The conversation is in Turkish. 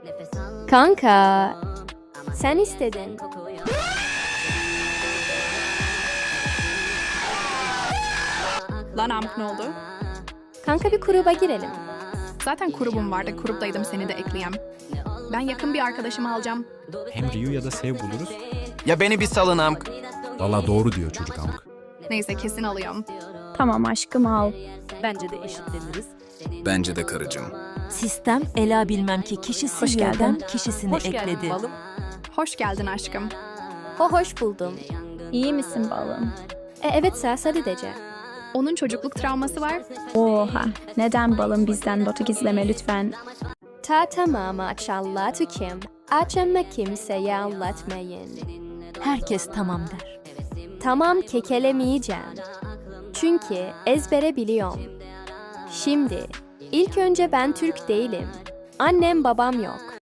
Kanka, sen istedin. Lan Amk ne oldu? Kanka bir gruba girelim. Zaten grubum vardı. Gruptaydım seni de ekleyem. Ben yakın bir arkadaşımı alacağım. Hem Ryu ya da Sev buluruz. Ya beni bir salın Amk. Valla doğru diyor çocuk amk. Neyse kesin alıyorum. Tamam aşkım al. Bence de eşitleniriz. Bence de karıcığım. Sistem Ela bilmem ki kişisi Hoş geldin. yerden kişisini Hoş geldin ekledi. balım. Hoş geldin aşkım. Hoş buldum. İyi misin balım? Evet Sari Dece. Onun çocukluk travması var. Oha. Neden balım bizden botu gizleme lütfen? Tamam maşallah tükim. Açama kimseye anlatmayın. Herkes tamam der. Tamam kekelemeyeceğim. Çünkü ezbere biliyorum. Şimdi, ilk önce ben Türk değilim. Annem babam yok.